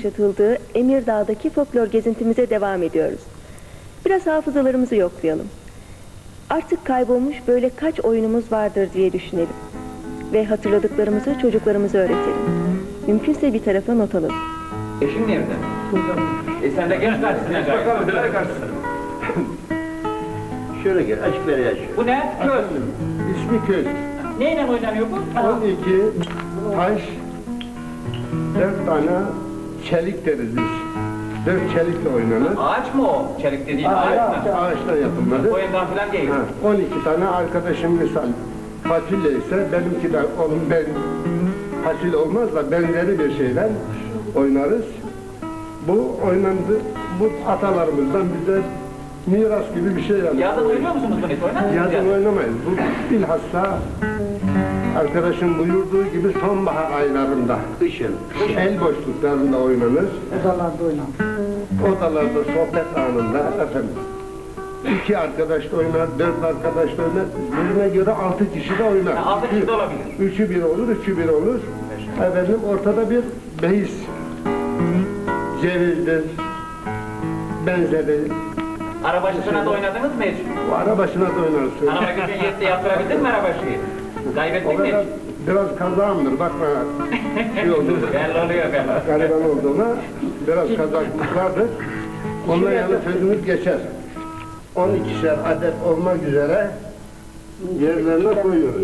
yaşatıldığı Emirdağ'daki folklor gezintimize devam ediyoruz. Biraz hafızalarımızı yoklayalım. Artık kaybolmuş böyle kaç oyunumuz vardır diye düşünelim. Ve hatırladıklarımızı çocuklarımıza öğretelim. Mümkünse bir tarafa not alalım. Eşin nerede? Sen de geç karşısına gel. Bakalım, böyle karşısına. Şöyle gel, açık ver yaş. Bu ne? Köz. İsmi köz. Neyle oynanıyor bu? 12 taş, 4 tane çelik deriz biz. 4 çelikle oynanır. Ağaç mı o? Çelik dediğin ağaç mı? Ağaçtan yapılmadı. Boyundan falan değil. 12 tane arkadaşım misal fasulye ise benimki de oğlum ben fasulye olmaz da benzeri bir şeyden oynarız. Bu oynandı, bu atalarımızdan bize miras gibi bir şey yani. Yazın oynuyor musunuz bunu hiç? Oynar mısınız? Yazın oynamayız. Bu bilhassa arkadaşın buyurduğu gibi sonbahar aylarında, kışın, el boşluklarında oynanır. Odalarda oynanır. Odalarda sohbet anında efendim. 2 arkadaş da oynar, 4 arkadaş da oynar. Birine göre 6 kişi de oynar. 6 kişi de olabilir. 3'ü 1 olur, 3'ü 1 olur. Efendim ortada bir beis. Cevizdir, benzeri. Arabaşısına da oynadınız mı hiç? Bu ara başına da oynarız. Araba gücün yetti yaptırabildin mi arabaşıyı? Kaybettin O mi kadar hiç? biraz kazağımdır, bakma şey oldu. Belli oluyor belli. Gariban olduğuna biraz kazaklık vardır. Ondan yana sözümüz geçer. 12'şer adet olmak üzere yerlerine koyuyoruz.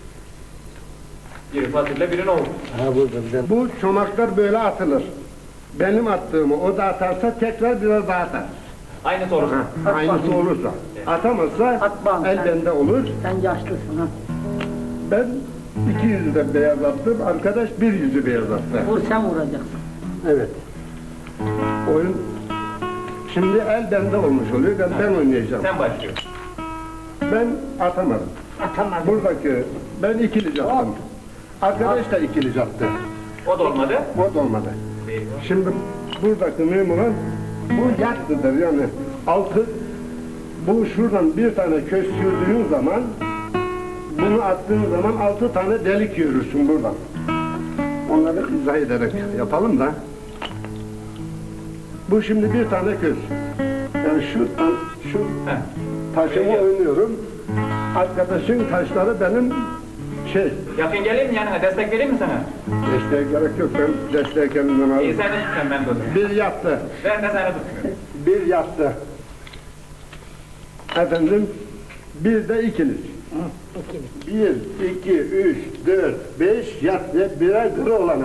Biri fasulye biri nohut. Bu çomaklar böyle atılır. Benim attığımı o da atarsa tekrar biraz daha atar. Aynı soru. Aynısı olursa. Atamazsa Atmam. el bende olur. Sen yaşlısın ha. Ben 2 yüzü de beyaz attım. Arkadaş 1 yüzü beyaz attı. Vur sen vuracaksın. Evet. Oyun şimdi el bende olmuş oluyor. Ben oynayacağım. Sen başlıyorsun. Ben atamadım. Atamaz. Buradaki ben ikili attım. Arkadaş da ikili attı. O da olmadı. O da olmadı. Şimdi buradaki mühim olan bu yattıdır yani altı bu şuradan bir tane köz sürdüğün zaman bunu attığın zaman 6 tane delik yürürsün buradan. Onları izah ederek yapalım da. Bu şimdi bir tane köz. Yani şu taşımı oynuyorum. Arkadaşın taşları benim Yakın geleyim mi yanına? Destek vereyim mi sana? Desteğe gerek yok, ben desteğe kendimden İyi aldım. sen de tutacağım ben de onu. Bir yattı, Ben de seni tutmuyorum. bir yattı. Efendim, bir de ikiniz. Bir, iki, üç, dört, beş yat ve birer kırı olana.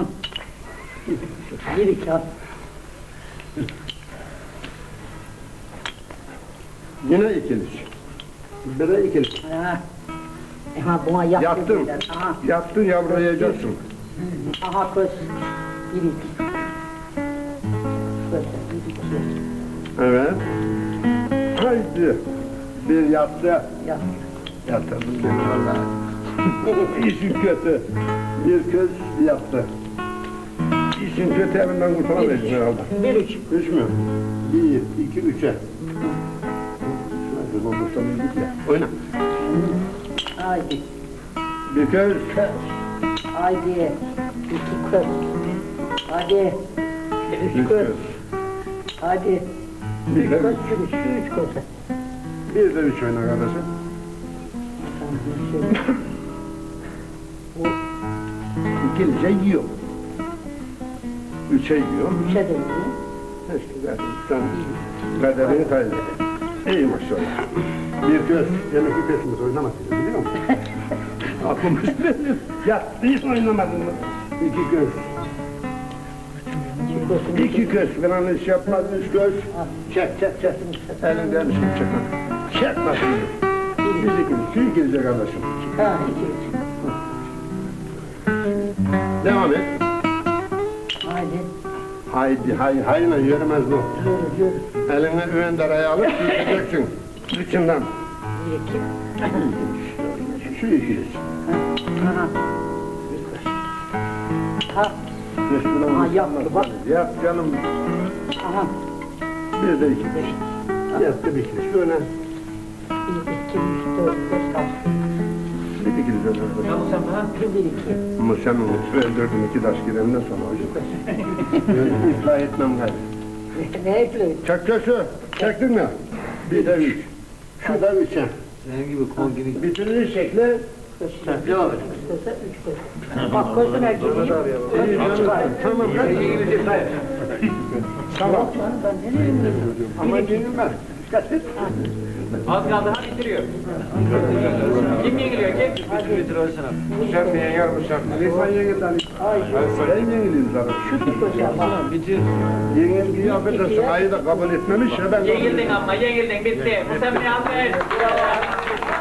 Bir iki at. Yine ikiniz. Bire ikiniz. Ha. Aha buna yaptı Yattın, dediler. Aha. yattın yavrulayacaksın. Aha köz. Bir iki. Köz. Bir iki. Evet. Haydi. Bir yattı. Yat. Yatırdım beni vallahi. İşin kötü. Bir köz yattı. İşin kötü elinden kurtulamayacağız herhalde. Bir üç. 3 mü? 1, 2, 3'e. Şuna kurtulamayacağız ya. Oyna. Haydi. Bir köz. Köz. Haydi. İki köz. Hadi. Üç köz. Hadi. Bir Üç de köz. 3. Üç köz. Bir de 3 oyna kardeşim. İkilice yiyor. 3'e yiyor. Üçe de iyi. İşte sen kaderini kaybettin. İyi maşallah. Bir göz, demek ki kesimiz oynamasın biliyor musun? Aklım üstüne. Ya hiç oynamadın mı? 2 göz. 2 göz falan iş yapmaz, 3 göz. Çek. Elinden bir şey çek. Çek nasıl? Biz ikimiz, şu ikilice kardeşim. Ha iki üç. Devam et. Haydi. Hayla yürümez bu. Yürü. Eline üvenderayı alıp yürüyeceksin. İçinden. Bir iki. Şu ikiliz. Aha. Ha. Resmine Aha, yaptı, bak. Yap canım. Aha. Bir de iki. Yaptı bir ikiliz. Şöyle. Bir iki üç dört beş altı. dikiliz öyle. Ya Mustafa. Bir iki. Ama sen onu öldürdün 2 taş girenden sonra hocam. Ben ıslah etmem gayrı. Ne yapıyor? Çek köşü. Çektin mi? Bir de 3. Şu da 3'e. Senin gibi kol gibi. Bitirir şekli. Devam et. İstese üç tane. Bak gözün erkeği. Tamam. Tamam. Ben ne diyeyim? Ama yenilmez. Az kaldı ha bitiriyor. Kim yeniliyor kim? Bitir olsun abi. Sen mi yenilmişsin? Sen yenildin Ali. Ben yenileyim zaten. Şu bir koca bak. Bitir. Yenilgiyi affedersin. Ayı da kabul etmemiş ya ben. Yenildin ama yenildin bitti. Mustafa alkış.